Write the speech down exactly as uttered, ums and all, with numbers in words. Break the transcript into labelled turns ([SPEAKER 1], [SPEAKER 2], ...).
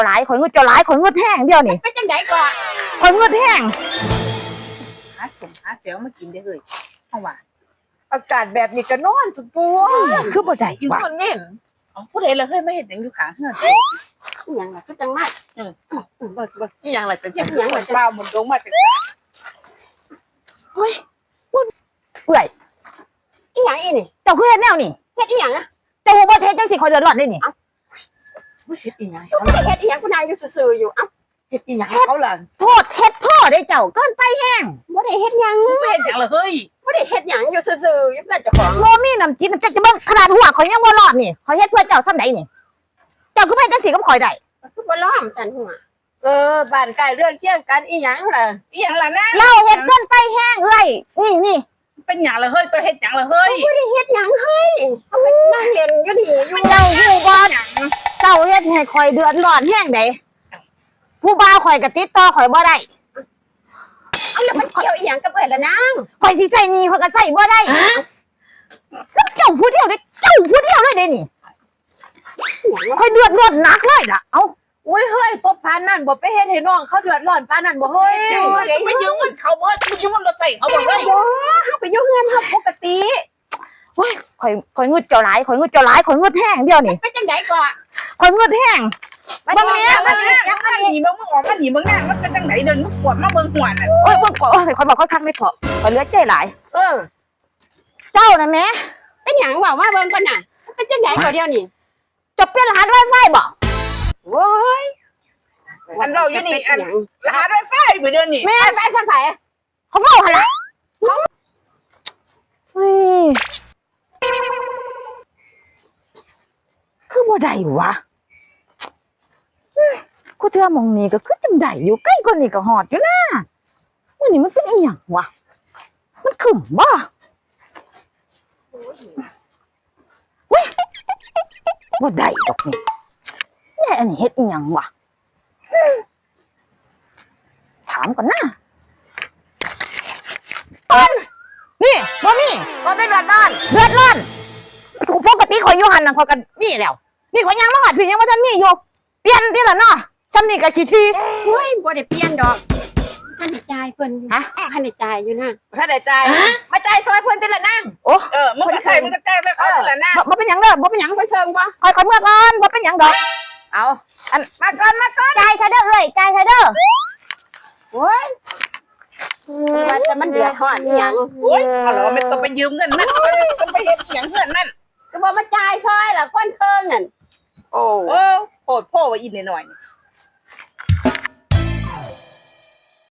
[SPEAKER 1] หลายข่อยเงืดเจ้าหลายข่อยเงืดแห้งเดียวนี่
[SPEAKER 2] ไปจังไดก่อน
[SPEAKER 1] ข่อยเงืดแห้ง
[SPEAKER 3] หาสมหาเสียวมากินได้เลยเอาว่า
[SPEAKER 2] อากาศแบบนี้ก็นอนสุดตัว
[SPEAKER 1] คือบ่ได้
[SPEAKER 3] กิน
[SPEAKER 1] ว่ะ
[SPEAKER 3] คนเม่นเอาผู้ใดละเคยไม่เห็นหยังอยู่ข้างเฮือน
[SPEAKER 2] อีหยังล่ะคือจังมาเออเบิกเบิก
[SPEAKER 3] อีหยังล่ะแต่
[SPEAKER 2] อีหยังล่ะ
[SPEAKER 3] เปล่าหมุนลงมาจาก
[SPEAKER 1] เฮ้ยเปื่อย
[SPEAKER 2] อีหยังอีนี่
[SPEAKER 1] เจ้าคือเฮ็ดแนวนี่
[SPEAKER 2] เฮ็ดอีหยังอะ
[SPEAKER 1] เจ้าฮู้บ่เฮ็ดจังสิข่อยเดือดร้อนได้นี่
[SPEAKER 3] เฮ็ดอีหยัง
[SPEAKER 2] ก็ไม่ได้เฮ็ดอีหยังคุณนายอยู่ซื่อๆอยู่เอ้า
[SPEAKER 3] เฮ็ดอีหยังเขาล่ะ
[SPEAKER 1] โทษเฮ็ดพ่อได้เจ้าเกินไปแห้ง
[SPEAKER 2] บ่ได้เฮ็ดหยัง
[SPEAKER 3] ไม่เห็นหยังเลยเฮ้ย
[SPEAKER 2] บ่ได้เฮ็ดหยังอยู่ซื่อๆอยู่เพื่อนเจ้าของ
[SPEAKER 1] บ่มีน้ำจิ้มจักจะเบิ่งขนาดหัวข่อยยังบ่รอดนี่ข่อยเฮ็ดเพื่อเจ้าซำใดนี่เจ้าคือไปจังสิกับข่อยได้
[SPEAKER 2] คือบ่ล้อมสันหัว
[SPEAKER 3] เออบ้านใกล้เรื่องเคียงกันอีหยังล่ะอีหยังล่ะนะ
[SPEAKER 1] เราเฮ็ดเกินไปแห้งเอ้ยนี่นี่
[SPEAKER 3] เป็นหยังละเฮ้ยไปเฮ็ดหยังละเฮ้ย
[SPEAKER 2] บ่ได้เฮ็ดหยังเฮ้ยเขาไปนั่งเล่นอยู่นี่อยู่
[SPEAKER 1] เจ้าฮู้บ่เจ้าเฮ็ดให้ข่อยเดือดร้อนแห้งใดผู้บ่าวข่อยก็ติดต่อข่อยบ่ได้
[SPEAKER 2] เอาแล้วมันเกี่ยวอีหยังกับเอ้ยล่ะนาง
[SPEAKER 1] ข่อยสิใช้หนี้ข่อยก็ใช้บ่ได้แล้วเจ้าผู้เดียวเด้เจ้าผู้เดียวเลยเด้นี่
[SPEAKER 2] อีหยังวะ
[SPEAKER 1] ข่อยเดือดร้อนหนักเลยล่ะเอ้า
[SPEAKER 3] อุ้ยเฮ้ยตบพานนั่นบ่ไปเฮ็ดให้น้องเขาเดือดร้อนปานนั่นบ่เฮ้ยไปยืมเงินเขาบ่ไปยืมเงินรถใส่เขาบ่เฮ้ย
[SPEAKER 2] บ่เฮาไปอยู่เฮือนเฮาปกติ
[SPEAKER 1] โอ้ยข่อยข่อยงึดเจ้าหลายข่อยงึดเจ้าหลายข่อยงึดแห้งเดียวนี่
[SPEAKER 2] ไปจังไดก่อน
[SPEAKER 1] ข่อยงึดแห้ง
[SPEAKER 2] บ่ได้เฮ็ด
[SPEAKER 3] มั
[SPEAKER 2] บ่
[SPEAKER 3] น
[SPEAKER 2] ได้
[SPEAKER 3] นี่
[SPEAKER 2] เฮ็ด
[SPEAKER 3] มันหนีมึงมึงออกมันหนีมึงหน้ามันเป็นจังไหนเดินมึงปวดมาเบิ่งหัวน่ะ
[SPEAKER 1] โอ้ยเบิ่งก่อนโอ้ยข่อยบอกข่อยคักไม่พอข่อยเหลือใจหลาย
[SPEAKER 3] เออ
[SPEAKER 1] เจ้าน่ะแหม่
[SPEAKER 2] เป็นหยังว่ามาเบิ่งก่อนน่ะเป็นจังไดก่อนเดียวนี่
[SPEAKER 1] จะเปลี่ยนรหัสไวไฟบ่
[SPEAKER 2] โว้ย
[SPEAKER 3] อันเราอยู่นี่อันรหัสไวไฟไปเดือนนี่
[SPEAKER 2] แม่ไปทางไผ
[SPEAKER 1] เขาเมาหั่นล่ะเฮ้ยคือบ่ได้วะกูเทื่อหมองนี้ก็คือจังได้อยู่ใกล้กว่านี้ก็ฮอดอยู่นะมื้อนี้มันเป็นอีหยังวะมันขึ้นบ่เว้ยบ่ได้ดอกนี่แย่อันนี้เฮ็ดอีหยังวะถามก่อนนะอันนี่บ่มี
[SPEAKER 2] ก็เป็นวันนอน
[SPEAKER 1] เดือดร้อนปกติข่อยอยู่หันน่ะข่อยก็นี่แล้วนี่ข่อยยังมาหอดพี่ยังบ่ทันมีอยู่เปลี่ยนติล่ะเนาะซำนี่ก็ขี้ที
[SPEAKER 2] เฮ้ยบ่ได้เปลี่ยนดอกท่านได้จ่ายเพิ่นอยู่
[SPEAKER 1] ฮะ
[SPEAKER 2] ท่านได้จ่ายอยู่นะ
[SPEAKER 3] ถ้าได้จ่ายมาจ่ายซอยเพิ่นเป็นละนั่ง
[SPEAKER 1] โอ้
[SPEAKER 3] เออมึงก็ใส่มึงก็จ่ายไปเขาเป็นละนั่ง
[SPEAKER 1] บ่บ่เป็นหยังเด้อบ่เป็นหยัง
[SPEAKER 2] เพิ่นเพิ่งบ่
[SPEAKER 1] ข่อยขอเมื่อก่อนบ่เป็นหยังดอก
[SPEAKER 3] เอาอันมาก่อนมาก่อน
[SPEAKER 1] จ่ายซะเด้อเอ้ยจ่ายซะเด้อ
[SPEAKER 2] โอ้ยว่าจะมันเดือดร้อนอีหยัง
[SPEAKER 3] โอ้ยเอาเหรอไม่ต้องไปยืมเงินมันต้องไปเฮ็ดหยังเพื่อนมัน
[SPEAKER 2] ก็บ่มาจ่ายซอยล่ะคนเคิงนั่น
[SPEAKER 3] โอ้โอ้โหดพ่อว่าอีนหน่อย